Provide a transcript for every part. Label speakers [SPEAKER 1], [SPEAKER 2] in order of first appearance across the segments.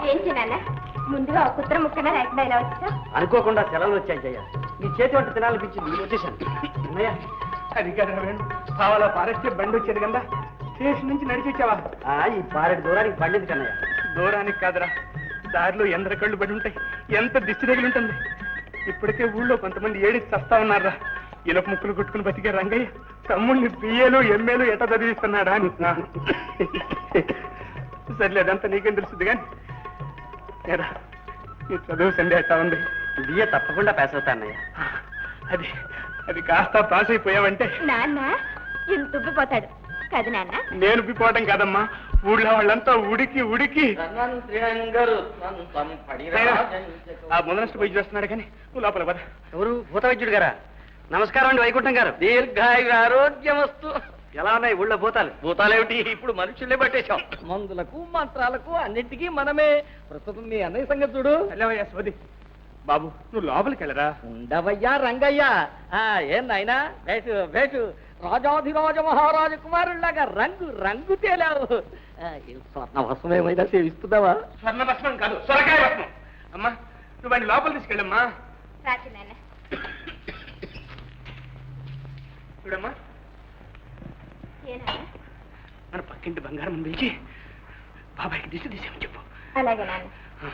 [SPEAKER 1] ఏంటి నాన్న ముందుగా ఒక కుత్ర ముక్కన లేకుండా ఇలా వచ్చా?
[SPEAKER 2] అనుకోకుండా సెలవులు వచ్చాయి జయ. నీ చేతి వంట తినాలనిపించింది, నేను వచ్చేసాను. అన్నయ్య
[SPEAKER 3] అది కదా వేణు, కావాలా పారేస్తే బండి వచ్చేది కదా, స్టేషన్ నుంచి నడిచి వచ్చావా?
[SPEAKER 2] ఈ పారెడు దూరానికి పండింది కన్నయ్య.
[SPEAKER 3] దూరానికి కాదురా, దారిలో ఎందర కళ్ళు పడి ఉంటాయి, ఎంత దిష్టి తగిలి ఉంటుంది. ఇప్పటికే ఊళ్ళో కొంతమంది ఏడిచి చస్తా ఉన్నారా, ఇనప ముక్కులు కొట్టుకుని బతికే రంగయ్య తమ్ముడిని బిఏలు ఎంఏలు ఎట చదివిస్తున్నాడా అని. సర్లే, అదంతా నీకేం తెలుస్తుంది కానీ నీ చదువు సండే ఎట్టా ఉంది?
[SPEAKER 2] బిఏ తప్పకుండా పాస్ అవుతా అన్నయ్య.
[SPEAKER 3] అది అది కాస్త పాస్ అయిపోయావంటే
[SPEAKER 1] నాన్న ఇంత ఉబ్బిపోతాడు కదా నాన్న.
[SPEAKER 3] నేను ఉబ్బిపోవడం కాదమ్మా, ఊళ్ళో వాళ్ళంతా ఉడికి ఉడికి ఆ మొదలస్ట్ పోయి చూస్తున్నాడు కానీ నువ్వు లోపల పద.
[SPEAKER 2] ఎవరు? భూత వైద్యుడు గారా? నమస్కారం అండి వైకుంఠం గారు.
[SPEAKER 4] దీర్ఘాయు ఆరోగ్యం వస్తూ.
[SPEAKER 2] ఎలా ఉన్నాయి ఊళ్ళో భూతాలు?
[SPEAKER 4] భూతాలేమిటి, ఇప్పుడు మనుషులే పట్టేశాం. మందులకు మంత్రాలకు అన్నింటికీ మనమే. ప్రస్తుతం మీ అన్నయ్య సంగతి చూడు.
[SPEAKER 3] వెళ్ళవయ్యా సోది. బాబు నువ్వు లోపలికి వెళ్ళరా.
[SPEAKER 4] ఉండవయ్యా రంగయ్య. ఏం నాయనా, వేటు వేటు రాజాధిరాజ మహారాజ కుమారుల్లాగా రంగు రంగు తేలావు. స్వర్ణ భస్మం ఏమైనా సేవిస్తున్నావా?
[SPEAKER 3] స్వర్ణ భస్మం కాదు, సొరకాయ భస్మం. అమ్మా నువ్వు వాడిని లోపల తీసుకెళ్ళమ్మా.
[SPEAKER 1] రాజు నాన్న
[SPEAKER 3] చూడమ్మా,
[SPEAKER 1] ఏనా
[SPEAKER 3] మన పక్కింటి బంగారం పిలిచి బాబాయ్కి దిశ తీసేమని చెప్పు.
[SPEAKER 1] అలాగే నాన్న.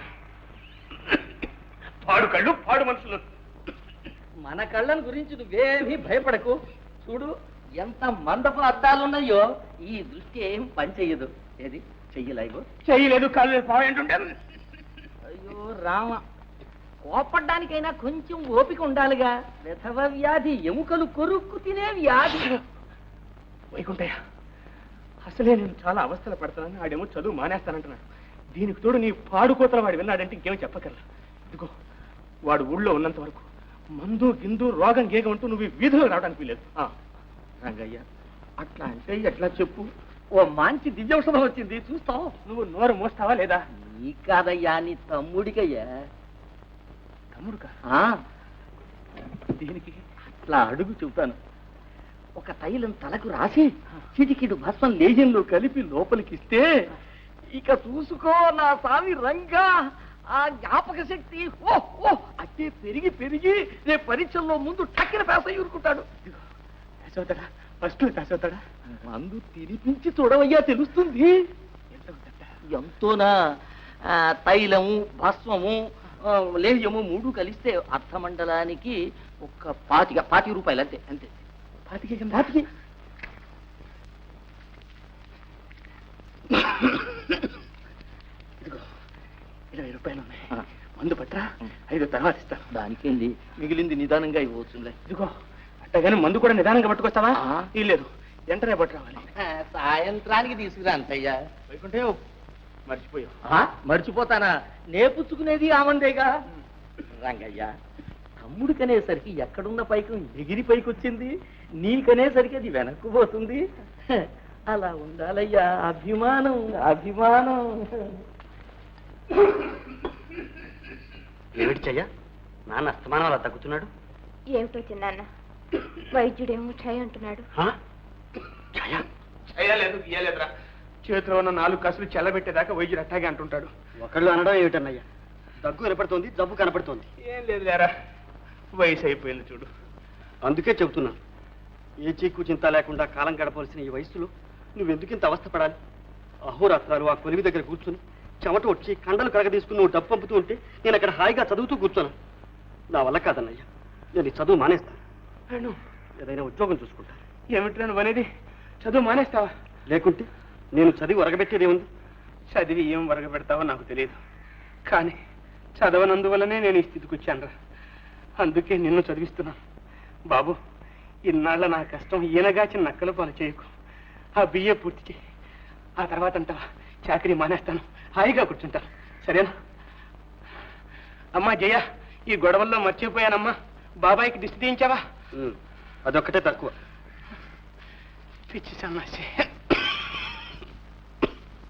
[SPEAKER 3] పాడు కళ్ళు పాడు మనుషులు.
[SPEAKER 4] మన కళ్ళను గురించి నువ్వేమీ భయపడకు. చూడు ఎంత మందపు అద్దాలున్నాయో, ఈ దృష్టి ఏం పనిచెయ్యదు. ఏది చెయ్యలేవు?
[SPEAKER 3] చెయ్యలేదు, కాళ్ళు పాయంటుంటే.
[SPEAKER 4] అయ్యో రామ, కోపడ్డానికైనా కొంచెం ఓపిక ఉండాలిగా. విధవ వ్యాధి, ఎముకలు కొరుక్కు తినే వ్యాధి.
[SPEAKER 3] వైకుంఠయ్య, అసలే నేను చాలా అవస్థలు పడతానని ఆడేమో చదువు మానేస్తానంటున్నాడు. దీనికి తోడు నీ పాడుకోతల వాడు విన్నాడంటే ఇంకేమో చెప్పగలరా. ఇదిగో వాడు ఊళ్ళో ఉన్నంత వరకు మందు గిందు రోగం గేగం అంటూ నువ్వు వీధిలో రావడానికి వీలేదు.
[SPEAKER 4] రంగయ్య, అట్లా అంటే ఎట్లా చెప్పు. ఓ మంచి దివ్యౌషధం వచ్చింది, చూస్తావు.
[SPEAKER 3] నువ్వు నోరు మోస్తావా లేదా?
[SPEAKER 4] నీ కాదయ్యా, నీ తమ్ముడికయ్యా.
[SPEAKER 3] తమ్ముడుకా?
[SPEAKER 4] దీనికి అట్లా అడుగు చెబుతాను. ఒక తైలం తలకు రాసి చిటికిడు భస్మం లేజంలో కలిపి లోపలికిస్తే ఇక చూసుకో నా స్వామి రంగా, ఆ జ్ఞాపక శక్తి అట్టే పెరిగి పెరిగి రేపు పరీక్షల్లో ముందు టక్కిన పేస ఊరుకుంటాడు.
[SPEAKER 3] అవుతాడా? ఫస్ట్ పాస్ అవుతాడా?
[SPEAKER 4] మందు తినిపించి చూడవయ్యా, తెలుస్తుంది. ఎంతోనా? తైలము భస్మము లేహ్యము 3 కలిస్తే అర్థమండలానికి ఒక 25 రూపాయలు అంతే. అంతే
[SPEAKER 3] 25. ఇదిగో 20 రూపాయలు ఉన్నాయి, మందు పట్రా. 5 తర్వాత ఇస్తాను.
[SPEAKER 4] దానికేంది, మిగిలింది నిదానంగా ఇవ్వచ్చులే.
[SPEAKER 3] ఇదిగో అట్టగానే మందు కూడా నిదానంగా పట్టుకొస్తావా? లేదు, వెంటనే పట్టు రావాలి.
[SPEAKER 4] సాయంత్రానికి తీసుకురా అంతయ్యా.
[SPEAKER 3] వైకుంఠే మర్చిపోయావు.
[SPEAKER 4] మర్చిపోతానా? నేపుచ్చుకునేది ఆమందేగా. రంగయ్య, తమ్ముడికనేసరికి ఎక్కడున్న పైకి ఎగిరి పైకి వచ్చింది, నీకనేసరికి అది వెనక్కు పోతుంది. అలా ఉండాలయ్యా, అభిమానం అభిమానం.
[SPEAKER 2] ఏమిటి చెయ్య, నాన్న అస్తమానం అలా తగ్గుతున్నాడు?
[SPEAKER 1] ఏమిటో చిన్నాన్న, వైద్యుడేమో ఛాయ్ అంటున్నాడు.
[SPEAKER 3] చేయలేదు గీయలేదురా, చేతిలో ఉన్న 4 కసులు చెల్లబెట్టేదాకా వైద్యుడు అట్టాగే అంటుంటాడు.
[SPEAKER 2] ఒకళ్ళు అనడం ఏమిటన్నయ్యా, దగ్గు కనపడుతోంది, జబ్బు కనపడుతోంది.
[SPEAKER 3] ఏం లేదు లేరా, వయసు అయిపోయింది చూడు.
[SPEAKER 2] అందుకే చెబుతున్నాను, ఏ చీకు చింత లేకుండా కాలం గడపవలసిన ఈ వయసులో నువ్వెందుకు ఇంత అవస్థపడాలి? అహోరాత్రాలు ఆ కొలివి దగ్గర కూర్చుని చెమట వచ్చి కండలు కరగ తీసుకుని నువ్వు డబ్బు పంపుతూ ఉంటే నేను అక్కడ హాయిగా చదువుతూ కూర్చున్నాను. నా వల్ల కాదన్నయ్యా, నేను ఈ చదువు మానేస్తాను. ఏదైనా ఉద్యోగం చూసుకుంటాను.
[SPEAKER 3] ఏమిట్రా నువ్వు అనేది? చదువు మానేస్తావా?
[SPEAKER 2] లేకుంటే నేను చదివి వరగబెట్టేదేముంది?
[SPEAKER 3] చదివి ఏం వరగబెడతావో నాకు తెలియదు, కానీ చదవనందువల్లనే నేను ఈ స్థితికి వచ్చాను రా. అందుకే నిన్ను చదివిస్తున్నాను. బాబు, ఇన్నాళ్ళ నా కష్టం ఈయనగాచిన నక్కల పాలు చేయకు. ఆ బిఏ పూర్తి చేయి, ఆ తర్వాత అంటావా చాకరీ మానేస్తాను, హాయిగా కూర్చుంటాను. సరేనా? అమ్మా జయ, ఈ గొడవల్లో మర్చిపోయానమ్మా, బాబాయికి దిష్టి తీయించావా?
[SPEAKER 2] అదొక్కటే తక్కువ.
[SPEAKER 3] పిచ్చి సన్నాసి.